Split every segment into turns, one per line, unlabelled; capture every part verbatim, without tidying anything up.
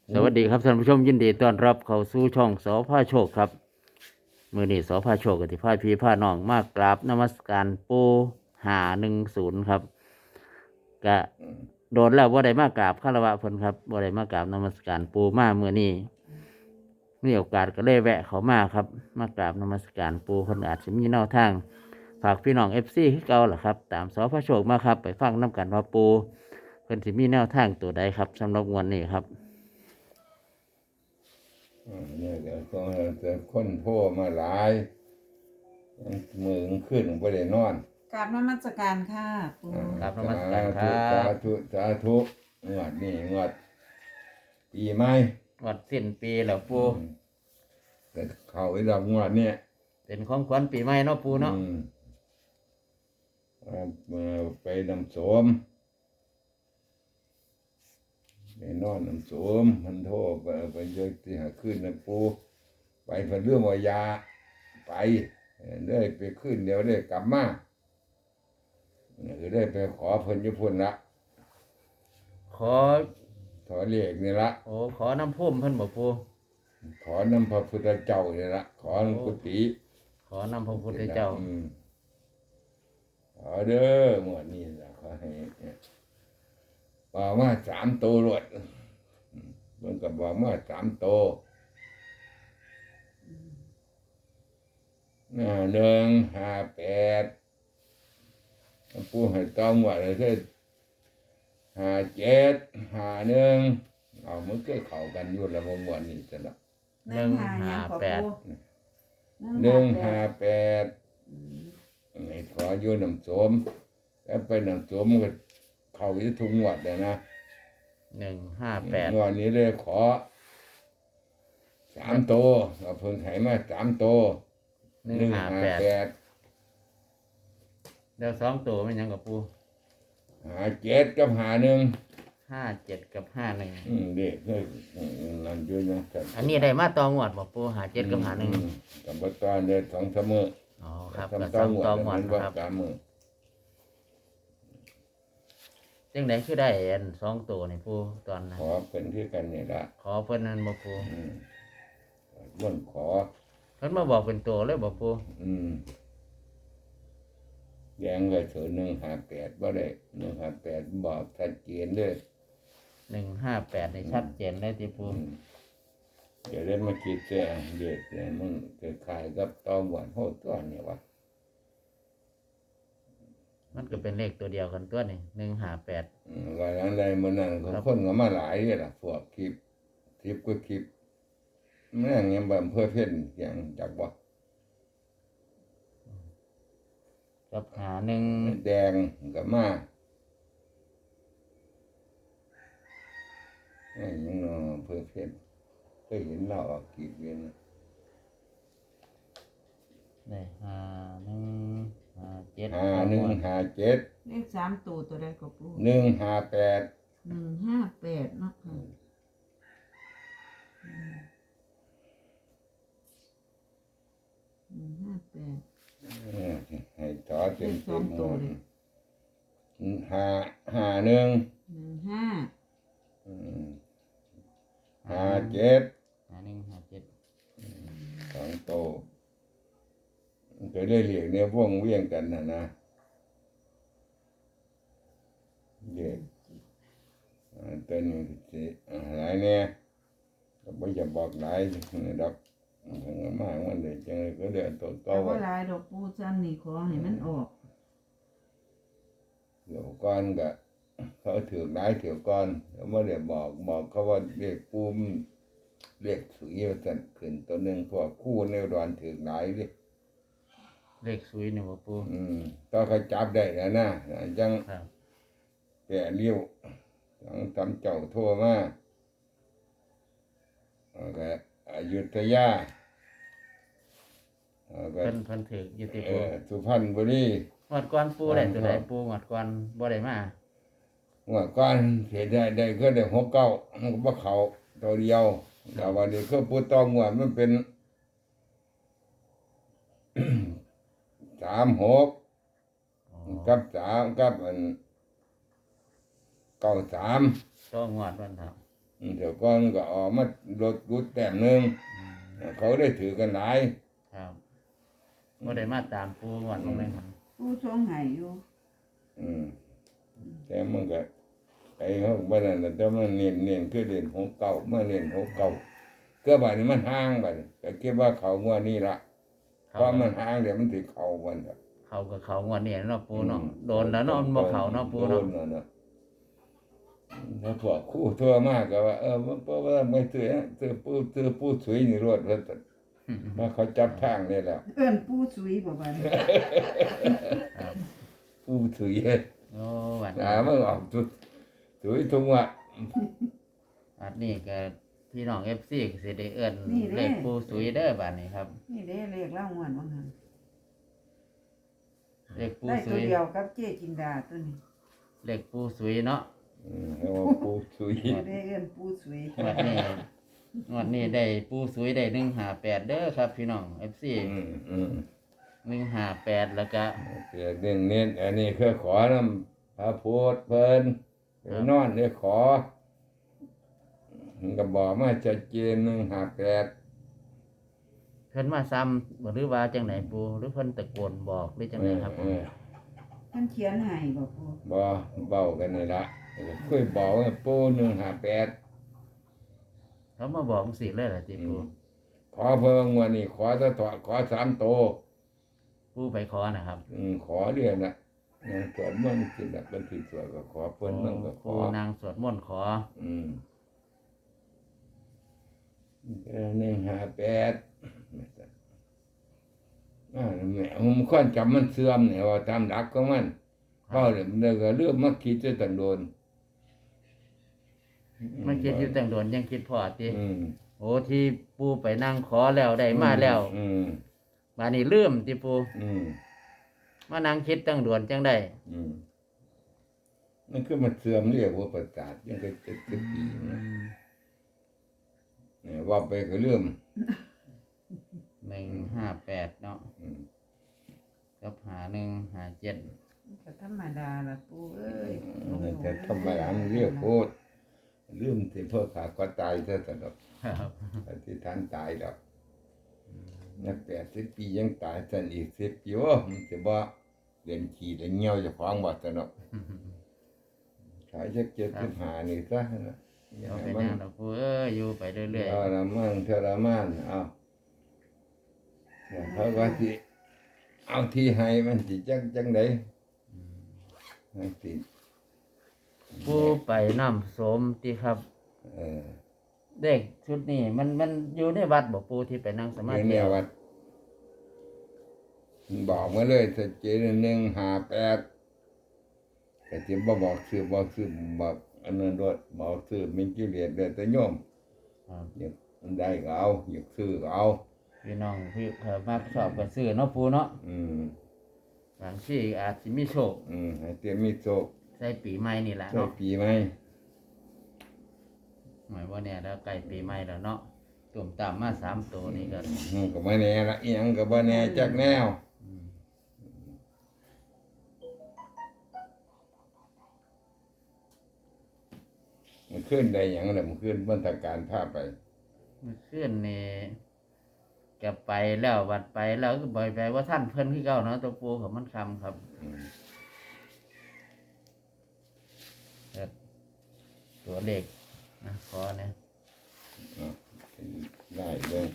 สวัสดีครับท่านผู้ชมยินดีต้อนรับเข้าสู่ช่องสอพาโชคครับมือนี้สอพาโชคกับที่พาพี่พาน้องมากราบนมัสการปูหาหนึ่งศูนย์ครับกะโดนแล้วว่าได้มากราบคารวะเพิ่นครับว่าได้มากราบนมัสการปูมาเมื่อนี้มีโอกาสก็เลยแวะเขามาครับมากราบนมัสการปูเพิ่นอาจจะมีแนวทางฝากพี่น้องเอฟซีที่เก่าล่ะครับตามสอพาโชคมาครับไปฟังน้กันว่าปูเพิ่นสิมีแนวทางตัวใดครับสำหรับวันนี้ครับ
อ่าเนี่ยเดี๋ยวก็จะค้นโทรมาหลายมือขึ้นไม่ได้นอน
กราบนมัสการค่ะปู
อ่า
ครับนมัสการครั
สา
บ
ธุสาธุงวดนี่งวดปีใหม่
วัดสิ้นปีแล้วปู
อืมแต่เข้าไอ้ดอกงวดเนี่ย
เป็นของขวัญปีใหม่เนาะปูเนาะ
อืมเอามาไปนำโสมไปนอนนำโสมมันโทรไปไปเยอะที่หาขึ้นนะปูไปเพิ่นเรื่องวายาไปได้ไปขึ้นเดี๋ยวได้กลับมาคือได้ไปขอเพิ่นอยุพุ่นละ
ขอ
ขอเรียกนี่ละ
โอ้ขอน้ำพุ่มเพิ่นบอกปู
ขอนำพระพุทธเจ้านี่ละขอหลวงกุฏิ
ขอน้ำพระพุทธเจ้า
อืมขอเด้อหมวดนี้ละขอให้เนี่ยบอกว่าสามโตรวดมันก็บอกว่าสามโตหน้าหนึ่งห้าแปดผู้ให้ต้องว่าอะไรคือห้าเจ็ดห้าหนึ่งเอามันก็เข้ากันอยู่ละหมวดนี้จะละ
หนึ่งห้าแปด
หนึ่งห้าแปดให้ขออยู่น้ำโสมแล้วไปน้ำโสมก็เข้าอยู่ทุกงวดเลยนะ
หนึ่งห้าแปด
งวดนี้เลยขอสามโตเอาเพิ่งไถมาสามโต
หนึ่งห้าแปด
แปด
เดี๋ยวสองตัวเป็นหยังกับปู
หาเจ็ดกับหาหนึ่ง
ห้าเจ็ดกับห้าหนึ่ง
อืมเด็กเลยนั่นอยู่นะ
อันนี้ได้มาตองวดบอกปูหาเจ็ดกับหาหนึ่ง
กับตอนเดินสองเสมอ
อ๋อครับ
ทำ
กับ
ต้
ส
อ
อง ง
งวด
ตองวด
มันว่า
ครับ
สามมือ
จังไดคือได้อันสองตัวนี่ปูตอนนั้น
ขอเป็นที่กันนี่ละ
ขอเพิ่นนั้นบอกปู
อืมล้วนขอ
เพิ่นมาบอกเป็นตัวเลยบอกปู
อืมแยงเลยถือหนึ่งหาแปดบ่ได้หนึ่งหาแปดบอกชัดเจนเลย
หนึ่งห้าแปดในชัดเจนเลยที่ปู
อืมเดี๋ยวได้มาคิดแจ้งเด็ดเนี่ยมันเกิดขายกับตอหวานโหดตัวเนี่ยวะ
มันก็เป็นเลขตัวเดียวกันตัวนี่หนึ่งห้าแปด
อืมว่าอย่างไรมันนั่นเขาคนก็มาหลายเลยล่ะพวกคลิปคลิปก็คลิปแม่งยังแบบเพื่อเพ่นอย่างจากบ่
กับหาหนึ่ง
แดงก็มาไอ้ยังเนาะเพื่อเพ่นเคยเห็นเราออกคลิปเวียน
ได้หาหนึ่งหาเจ็ด
หาหนึ่งหาเจ็ด
เลขสามตัวตัวใดก็ปู
หนึ่งหาแปด
หนึ่งห้าแปดเนาะค่ะหนึ่งห้าแปด
ให้ต่อเต็ม
เลขส
เต็
อ
ม
งตัวเลย
หาหาหนึ่ง
หนึ่งห้า
อืมหาเจ็ด
หาหนึ่งหาเจ็ด
สองโตจะได้เรียกเนี่ยว่องเวียงกันนะนะเด็กอ่าตัวนี้สิอ่าหลายเนี่ยก็ไม่จะบอกหลายดอกถึงมากมันเลยจังเลยก็เดือดตัวโต
แต่ว่าหลายดอกปูซ้ำนี่ขอให้มันออก
เดี๋ยวก่อนก็เขาถือหลายถือก่อนแล้วไม่ได้บอกบอกเขาว่าเรียกปูมเรียกสุยว่าสั่นขึ้นตัวหนึ่งพวกคู่ในรอนถือหลายดิ
เลขสุยนี่บ่ปู
อืมก็เขาจับได้แล้วนะจัง
ครับ
แก่เลี้ยวจังทำเจ้าทั่วมาแล้วก็อยุธยาแล้วก็
เพิ่นเพิ่นถืออยู่ที่
เอ
ปู
อสุพรรณบุรี
งวดก่อนปูได้ตัวไหนปูงวดก่อนบ่ได้มา
เมื่อก่อนเสียได้ได้ก็ได้หกเก้ามันก็บ่เขาตัวเดียวแต่วันนี้ก็พูดต้องว่ามันเป็น สามหก
อ๋อ
กับสามกับอันเก้าสาม
ก็งวดวันครับ
ออืมเดี๋ยวก่อนก็ออกมาลดกุดแต้มหนึ่งเขาได้ถือกันหลาย
ครับบ่ได้มาตามปูงวดลงเลยครับ
ปูทรงให้อยู่
อืมแต่มันก็ไอ้เขาบ้านนั้นน่ะแต่มันเน้นเน้นคือเล่นหกเก่าเมื่อเล่นหกเก่าก็บัดนี้มันห่างบัดนี้ก็คิดว่าเขางวดนี้ละเพราะมันห่างเดี๋ยวมันสิเข้าวันละ
เขากับเขางวดนี้เนาะปูเนาะโดนแล้วเนาะมันบ่เขาเนาะปู
โด
เนาะ
นแล้วเนาะแล้วพวกคู่ทั่วมากก็ว่าเออมันเพราะว่าไม่ซื้อซื้อปูซื้อปูสวยนี่รวดว่าซั่นมาเขาจับทางได้แล้ว
เอิ้นปูสุยบ่บัดนี้
ครับ
ปูสวย
โอ้วัน
อ่ามันออกสุดสวยทุกวัน
อันนี้ก็พี่น้อง เอฟ ซี ก็สิได้เอิ้นเลขปูสุยเด้อบัดนี้ครับ
นี่เด้เลขเล่างวนว่าหั่น
เลขปู
ได้
สุ
ตัวย เดียวกับเจ๊จินดาตัวนี้
เลขปูสุยเนาะ
อืมเอาปูสวย
บ่ได้เอิ้นปูสุย
งวดนี้งวดนี้ได้ปูสุยได้หนึ่งห้าแปดเด้อครับพี่น้อง เอฟ ซี
อืมอืม
หนึ่งห้าแปดแล้วก็
เสียเน้นเน้นอันนี้คือขอนำพระพุทธเพิ่นไปนอนเนี่ยขอมันก็บอกมาชัดเจนหนึ่งห้าแปด
เพิ่นมาซ้ำบ่หรือว่าจังไหนปูหรือเพิ่นตะโกนบอกหรือจังไหนครับ
เออ
เพิ่นเขียนให้บ่ปู
บ่เบากันนี่ละเคยบอกว่าปูหนึ่งห้าแปด
เขามาบอกสิเลยล่ะติปู
ขอเพิ่งวันนี้ขอจะถอดขอสามโต
ปูไปขอนะครับ
อืมขอเรียนน่ะนางสวดมนต์สิละเป็นที่สวดก็ขอเพิ่นมันก็ข
ปู
อ
นางสวดมนต์ขอ
อืมหนึ่งห้าแปดอ่าแม่ผมค่อนจำมันเสื่อมเนี่ยว่าตามหลักของมันเพราะเดี๋ยวมันก็เรื่องมาคิดจะตันโดน
มันคิดอยู่แต่งโดนยังคิดพอติ
อืม
โอ้ที่ปูไปนั่งขอแล้วได้มาแล้ว
อืม
บัดนี้ลืมติปู
อืม
มานั่งคิดตั้งโดนจังได้
อืมมันคือมันเสื่อมเรียกว่าประสาทยังก็เจ็ดสิบปีนะเนี่ยว่าไปก็เรื่อง
หนึ่งห้าแปดเนาะ
อืม
กับหาหนึ่งหาเจ็ด
ก็ธรรมดาล่ะปูเอ้ย
แต่ทำไมอันเรียกโคตรลืมที่เพื่อขาก็ตายซะสำหรับ
ครับ
อธิษฐานตายแล้วนักแปดสิบปียังตายสันอีกสิบปีโอ้มันจะบ่เรียนขี่เรียนเงี้ยวจะฟ้องบ่สนอกขายชักเจ็ดสิบห้านี่ซะนะอย่า
เอา
ให้
เป็น
มัน
ยังดอกปูเอ้ยอยู่ไปเรื่อย
เอาละมั่งเทรมานเอาเนี่ยเขาว่าสิเอาที่ให้มันสิจังจังไดให้สิ
ๆปูไปน้ำสมติครับ
เออ
เด็กชุดนี้มันมันอยู่ในวัดบอกปูที่ไปนั่งสมา
เดี๋ยว
ธิ
เนี่ยวัดบอกมาเลยชัดเจนหนึ่งห้าแปดแต่ที่บ่บอกซื้อบอกซื้อบอกอันนั้นรถบอกซื้อมินกิเลสเดือดแต่โยม
ครับ
อยากมันได้ก็เอาอยากซื้อก็เอา
พี่น้องพี่เออมาชอบกันซื้อเนาะปูเนาะ
อืม
บางที่อาจจะมีโชค
อืมให้เตรียมมีโชค
ใส่ปีใหม่นี่แหละ
ใช่
เนาะ
ปีไหม
หมายว่าเนี่ยแล้วใกล้ปีใหม่แล้วเนาะตุ่มตามมาสามตัวนี่ก็
อืมก็บ่แน่ละอีหยังก็บ่แน่จักแนว
อืม
มันขึ้นได้หยังล่ะมันขึ้นบรรทการพาไป
เมื่อคืนนี่ก็ไปแล้ววัดไปแล้วก็บ่อยไปว่าท่านเพิ่นคือเก่าเนาะตัวปูของมันคำครับ
อืม
แต่ตัวเลขนะขอเนี่ย
เอาได้เลย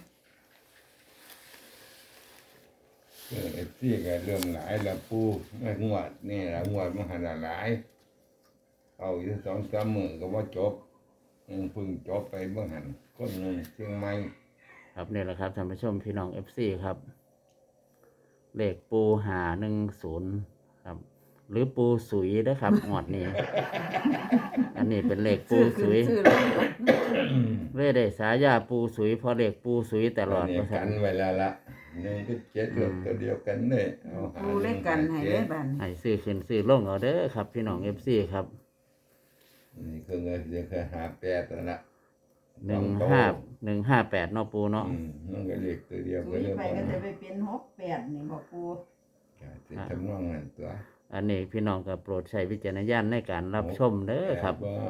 เออไอ้ที่ก็เรื่องหลายละปูไม่งวดนี่ละงวดมันหันละหลาย เอาอยู่สองสามมื้อก็ว่าจบอืมเพิ่งจบไปเมื่อหันคนหนึงเชียงใหม่
ครับนี่แหละครับท่านผู้ชมพี่น้องเอฟซีครับ เลขปูหาหนึ่งศูนย์ครับ หรือปูสุยนะครับ งวดนี้ อันนี้เป็นเลขปูสุย
ซื้อเลย
เว้ได้สายาปูสุยเพราะเลขปูสุยตลอด
เนี่ย
ว่า
กั
ซั่
น
น
ไว้แล้วละหนึ่งก็เจ็ดรถตัวเดียวกันเลยเอาหา
ปูเล็กกันให้เลยบัดนี้
ให้ซื้อขึ้นซื้อลงเอาเด้อครับ พี่น้องเอฟซีครับ
นี่คือเงินเดือนเคยหาแปดแล้วละ
หนึ่งห้าหนึ่งห้าแปดเนาะปูเนาะ
อืมมันก็เล็กตัวเดียว
สุ
ก็
ย
เลย
ไป
บอก
ก็จะไปเป็นหกแปดนี่บอกปู
จะทำนองนั้นตัว
อันนี้พี่น้องก็โปรดใช้วิจารณญาณในการรับชมเด้อครับ
แต่ว่า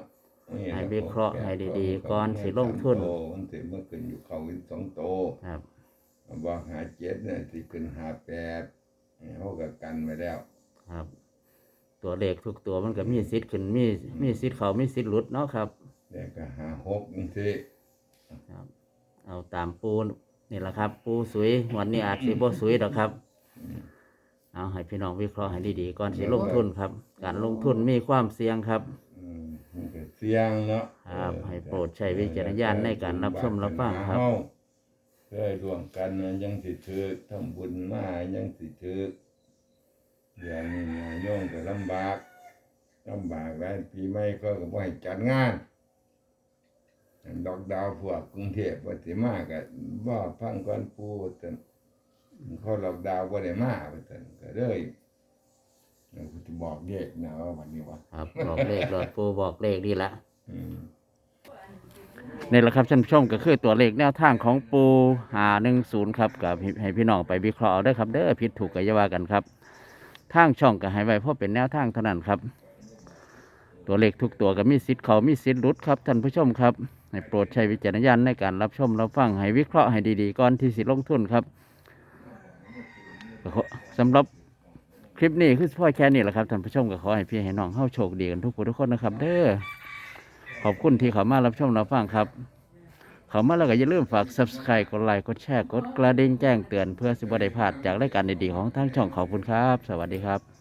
นี่
ให้
แหละ
วิเคราะห์ให้ดีๆก่อนสิลงทุน
โตมันสิเมื่อขึ้นอยู่เขาอีกสองโต
ครับ
บอกหาเจ็ดเนี่ยสิขึ้นหาแปดเขาก็กันไว้แล้ว
ครับ ตัวเลขทุกตัวมันก็มีสิทธิ์ขึ้นมีมีสิทธิ์เขามีสิทธิ์หลุดเนาะครับ
แต่ก็หาหกนี่สิ
ครับ เอาตามปูนี่แหละครับ ปูสวยวันนี้อาจสิบ่สวยดอกครับ เอาให้พี่น้องวิเคราะห์ให้ดีๆก่อนสิลงทุนครับ การลงทุนมีความเสี่ยงครับ
อืมมันก็เสี่ยงเนาะ
ครับให้โปรดใช้วิจารณญาณในการรับชมรับฟังครับ
เคยร่วมกันนะยังสิถือทำบุญมายังสิถืออย่างนี้นะโยมก็ลำบากลำบากแล้วปีใหม่ก็ก็บ่ให้จัดงานดอกดาวพวกกรุงเทพว่าสิมาก็บ่ฟังก่อนปู่แต่เขาดอกดาวบ่ได้มาว่าซั่นก็เลยเราจะบอกเด็กนะว่าวันนี้ว่า
ครับบอกเลขหลอดปูบอกเลขดีละ
อืม
นี่แหละครับท่านผู้ชมก็คือตัวเลขแนวทางของปูหาหนึ่งศูนย์ครับกับให้พี่น้องไปวิเคราะห์เอาได้อครับเด้อผิดถูกก็อย่าว่ากันครับทางช่องก็ให้ไว้เพราะเป็นแนวทางเท่านั้นครับ ตัวเลขทุกตัวก็มีสิทธิ์เขามีสิทธิ์หลุดครับท่านผู้ชมครับให้โปรดใช้วิจารณญาณในการรับชมรับฟังให้วิเคราะห์ให้ดีๆก่อนที่สิลงทุนครับก็ขอสำหรับคลิปนี้คือพ่อแค่นี้แหละครับท่านผู้ชมก็ขอให้พี่ให้น้องเฮาโชคดีกันทุกผู้ทุกคนนะครับ เด้อขอบคุณที่เขามารับชมรับฟังครับ เขามาแล้วก็อย่าลืมฝาก ซับสไครบ์ กดไลค์ กดแชร์ กดกระดิ่งแจ้งเตือนเพื่อสิบได้พลาดจากรายการดีๆของทางช่องขอบคุณครับ สวัสดีครับ